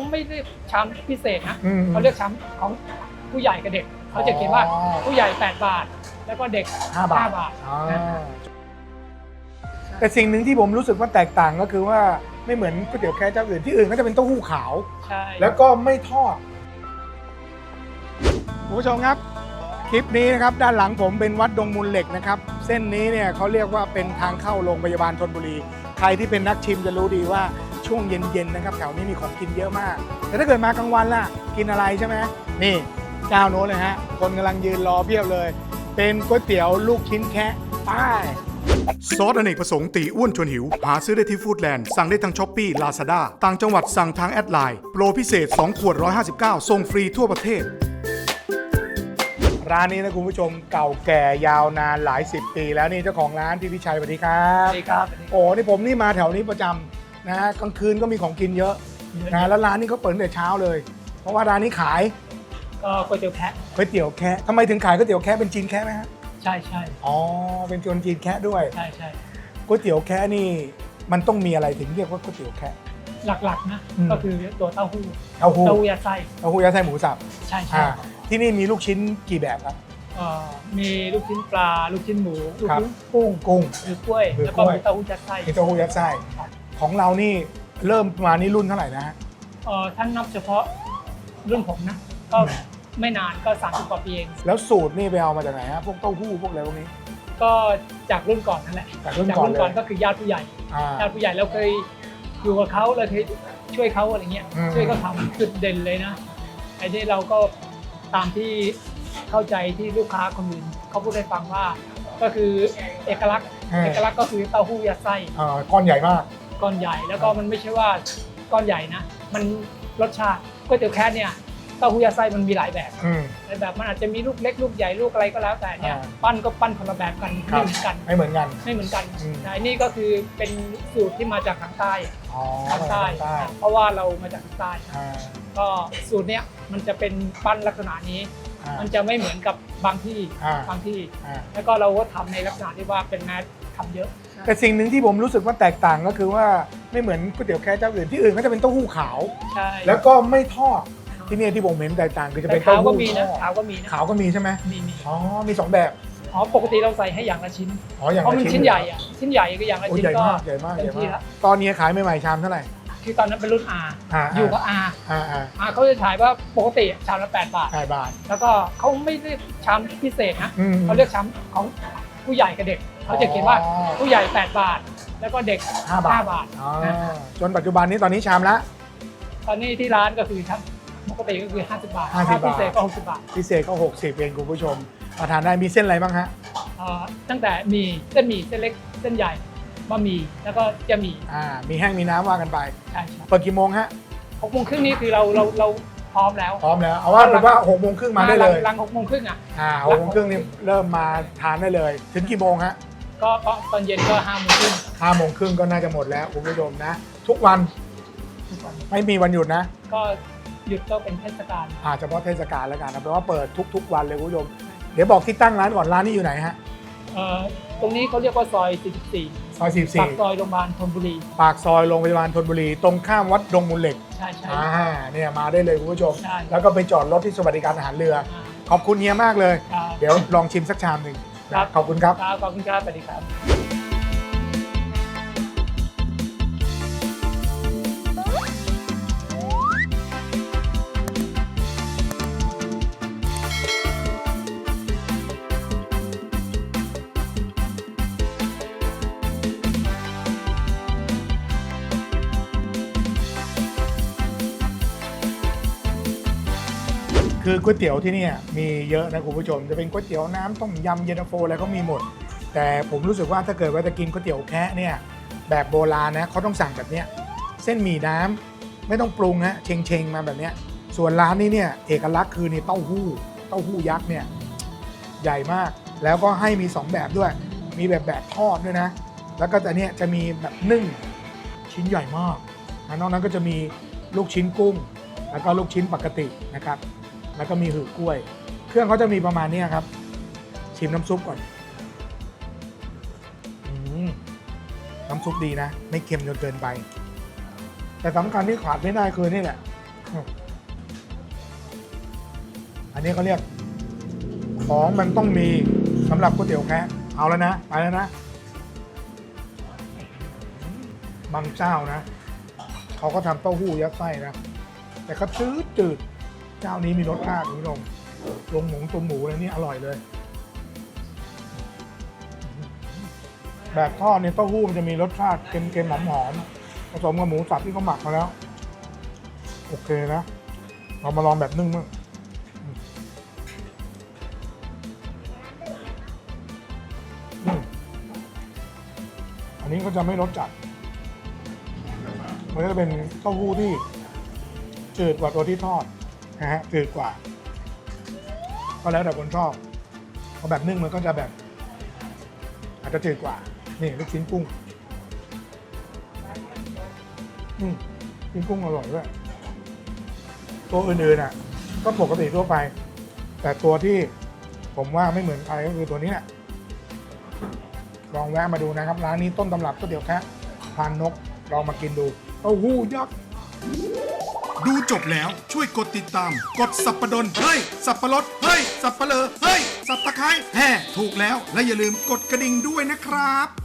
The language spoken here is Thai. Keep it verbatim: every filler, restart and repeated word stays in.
ไม่เรียกชามพิเศษนะเขาเรียกชามของผู้ใหญ่กับเด็กเขาจะเขียนว่าผู้ใหญ่แปดบาทแล้วก็เด็กห้าบาทแต่สิ่งหนึ่งที่ผมรู้สึกว่าแตกต่างก็คือว่าไม่เหมือนก๋วยเตี๋ยวแค่เจ้าอื่นที่อื่นก็จะเป็นเต้าหู้ขาวแล้วก็ไม่ทอดคุณผู้ชมครับคลิปนี้นะครับด้านหลังผมเป็นวัดดงมูลเหล็กนะครับเส้นนี้เนี่ยเขาเรียกว่าเป็นทางเข้าโรงพยาบาลธนบุรีใครที่เป็นนักชิมจะรู้ดีว่าช่วงเย็นๆนะครับแถวนี้มีของกินเยอะมากแต่ถ้าเกิดมากลางวันล่ะกินอะไรใช่ไหมนี่เจ้าโน้นเลยฮะคนกำลังยืนรอเพียบเลยเป็นก๋วยเตี๋ยวลูกชิ้นแคะป้ายซอสอเนกประสงค์ตีอ้วนชวนหิวหาซื้อได้ที่ฟู้ดแลนด์สั่งได้ทางช้อปปี้ลาซาด้าต่างจังหวัดสั่งทางแอดไลน์โปรพิเศษสองขวดหนึ่งร้อยห้าสิบเก้าส่งฟรีทั่วประเทศร้านนี้นะคุณผู้ชมเก่าแก่ยาวนานหลายสิบปีแล้วนี่เจ้าของร้านพี่พิชัยสวัสดีครับสวัสดีครับโอ้นี่ผมนี่มาแถวนี้ประจำนะกลางคืนก็มีของกินเยอะนะแล้วร้านนี้เขาเปิดตั้งแต่เช้าเลยเพราะว่าร้านนี้ขายก็ก๋วยเตี๋ยวแคะก๋วยเตี๋ยวแคะทำไมถึงขายก๋วยเตี๋ยวแคะเป็นจีนแคะไหมฮะใช่ใช่อ๋อเป็นคนจีนแคะด้วยใช่ใช่ก๋วยเตี๋ยวแคะนี่มันต้องมีอะไรถึงเรียกว่าก๋วยเตี๋ยวแคะหลักๆนะก็คือตัวเต้าหู้เต้าหู้เต้าหู้ยัดไส้เต้าหู้ยัดไส้หมูสับใช่ใช่ที่นี่มีลูกชิ้นกี่แบบครับมีลูกชิ้นปลาลูกชิ้นหมูลูกชิ้นกุ้งกุ้งหรือกล้วยแล้วก็มีเต้าหู้ยัดไส้มีเต้าหู้ยัดไส้ของเรานี่เริ่มมานี่รุ่นเท่าไหร่นะฮะท่านนับเฉพาะรุ่นผมนะก็ไม่นานก็สามสิบกว่าปีเองแล้วสูตรนี่ไปเอามาจากไหนฮะพวกเต้าหู้พวกอะไรพวกนี้ก็จากรุ่นก่อนนั่นแหละจากรุ่นก่อนก็คือญาติผู้ใหญ่ญาติผู้ใหญ่เราเคยอยู่กับเขาเราเคยช่วยเขาอะไรเงี้ยช่วยเขาทำจุดเด่นเลยนะไอ้นี่เราก็ตามที่เข้าใจที่ลูกค้าคนอื่นเขาพูดให้ฟังว่าก็คือเอกลักษณ์เอกลักษณ์ก็คือเต้าหู้ยัดไส้ก้อนใหญ่มากก้อนใหญ่แล้วก็มันไม่ใช่ว่าก้อนใหญ่นะมันรสชาติก๋วยเตี๋ยวแคะเนี่ยเต้าหู้ยัดไส้มันมีหลายแบบหลายแบบมันอาจจะมีลูกเล็กลูกใหญ่ลูกอะไรก็แล้วแต่เนี่ยปั้นก็ปั้นคนละแบบกันไม่เหมือนกันไม่เหมือนกันไม่เหมือนกันแต่นี่ก็คือเป็นสูตรที่มาจากทางใต้ทางใต้เพราะว่าเรามาจากทางใต้ก็สูตรเนี้ยมันจะเป็นปั้นลักษณะนี้มันจะไม่เหมือนกับบางที่บางที่แล้วก็เราก็ทำในลักษณะที่ว่าเป็นแมสทำเยอะแต่สิ่งหนึ่งที่ผมรู้สึกว่าแตกต่างก็คือว่าไม่เหมือนก๋วยเตี๋ยวแค่เจ้าอื่นที่อื่นก็จะเป็นเต้าหู้ขาวแล้วก็ไม่ทอดที่นี่ที่ผมเห็นแตกต่างคือจะเป็นเต้าหู้ขาวก็มีนะขาวก็มีใช่ไหมมีมีอ๋อมีสองแบบอ๋อปกติเราใส่ให้อย่างละชิ้นอ๋ออย่างละชิ้นเพราะมันชิ้นใหญ่อะชิ้นใหญ่ก็อย่างละชิ้นก็ใหญ่มากใหญ่มากตอนนี้ขายใหม่ๆชามเท่าไหร่คือตอนนั้นเป็นรุ่น R อยู่กับ R R เขาจะขายว่าปกติชามละแปดบาทแปดบาทแล้วก็เขาไม่เรียกชามพิเศษนะเขาเรียกชามของผู้ใหญ่กับเด็กเขาจะเขียนว่าผู้ใหญ่แปดบาทแล้วก็เด็กห้าบาทจนปัจจุบันนี้ตอนนี้ชามละตอนนี้ที่ร้านก็คือชามปกติก็คือห้าสิบบาทพิเศษก็หกสิบบาทพิเศษก็หกสิบเองคุณผู้ชมมาทานได้มีเส้นอะไรบ้างฮะตั้งแต่มีเส้นหมี่เส้นเล็กเส้นใหญ่บะหมี่แล้วก็จะมีอ่ามีแห้งมีน้ำว่ากันไปใช่เปิดกี่โมงฮะหกโมงครึ่งนี้คือเราเราเราพร้อมแล้วพร้อมแล้วเอาว่าเป็นว่าหกโมงครึ่งมาได้เลยหลังหกโมงครึ่งอ่ะอ่าหกโมงครึ่งนี่เริ่มมาทานได้เลยถึงกี่โมงฮะก็ตอนเย็นก็ห้าโมงครึ่งห้าโมงครึ่งก็น่าจะหมดแล้วคุณผู้ชมนะทุกวันไม่มีวันหยุดนะก็หยุดก็เป็นเทศกาลอ่าเฉพาะเทศกาลแล้วกันนะแปลว่าเปิดทุกๆวันเลยคุณผู้ชมเดี๋ยวบอกที่ตั้งร้านก่อนร้านนี้อยู่ไหนฮะเอ่อตรงนี้เขาเรียกว่าซอยสี่สิบสี่ซอยสี่สิบสี่ปากซอยโรงพยาบาลธนบุรีปากซอยโรงพยาบาลธนบุรีตรงข้ามวัดดงมูลเหล็กใช่ใช่อ่าเนี่ยมาได้เลยคุณผู้ชมแล้วก็ไปจอดรถที่สวัสดิการทหารเรือขอบคุณเฮียมากเลยเดี๋ยวลองชิมสักชามหนึ่งขอบคุณครับขอบคุณครับสวัสดีครับคือก๋วยเตี๋ยวที่นี่มีเยอะนะคุณผู้ชมจะเป็นก๋วยเตี๋ยวน้ำต้มยำเย็นตาโฟอะไรก็มีหมดแต่ผมรู้สึกว่าถ้าเกิดว่าจะกินก๋วยเตี๋ยวแคะเนี่ยแบบโบราณนะเขาต้องสั่งแบบเนี้ยเส้นหมี่น้ำไม่ต้องปรุงฮะเชงเชงมาแบบเนี้ยส่วนร้านนี้เนี่ยเอกลักษณ์คือนี่เต้าหู้เต้าหู้ยักษ์เนี่ยใหญ่มากแล้วก็ให้มีสองแบบด้วยมีแบบแบบทอดด้วยนะแล้วก็แต่เนี้ยจะมีแบบนึ่งชิ้นใหญ่มากนอกนั้นก็จะมีลูกชิ้นกุ้งแล้วก็ลูกชิ้นปกตินะครับแล้วก็มีหือกล้วยเครื่องเขาจะมีประมาณนี้ครับชิมน้ำซุปก่อนน้ำซุปดีนะไม่เค็มจนเกินไปแต่สำคัญที่ขาดไม่ได้คือนี่แหละอันนี้เขาเรียกของมันต้องมีสำหรับก๋วยเตี๋ยวแคะเอาแล้วนะไปแล้วนะบางเจ้านะเขาก็ทำเต้าหู้ยัดไส้นะแต่ก็จืดจืดเจ้านี้มีรสชาติคุณผู้ชมลงหมูตัวหมูอะไรนี่อร่อยเลยแบบทอดเนี่ยเต้าหู้มันจะมีรสชาติเค็มๆหอมๆผสมกับหมูสับที่เขาหมักมาแล้วโอเคนะเรามาลองแบบนึ่งมั้งอันนี้ก็จะไม่รสจัดมันก็จะเป็นเต้าหู้ที่จืดกว่าตัวที่ทอดนะฮะจืดกว่าก็แล้วแต่คนชอบเพราะแบบนึ่งมันก็จะแบบอาจจะจืดกว่านี่ลูกชิ้นกุ้งอืมชิ้นกุ้งอร่อยด้วยตัวอื่นๆอ่ะก็ปกติทั่วไปแต่ตัวที่ผมว่าไม่เหมือนใครก็คือตัวนี้แหละลองแวะมาดูนะครับร้านนี้ต้นตำรับก๋วยเตี๋ยวแคะพานนกลองมากินดูเต้าหู้ยักษ์ดูจบแล้วช่วยกดติดตาม กดสับปะดนเฮ้ย สับปะรดเฮ้ย สับปะเลอเฮ้ย สับตะไคร้แห่ถูกแล้วและอย่าลืมกดกระดิ่งด้วยนะครับ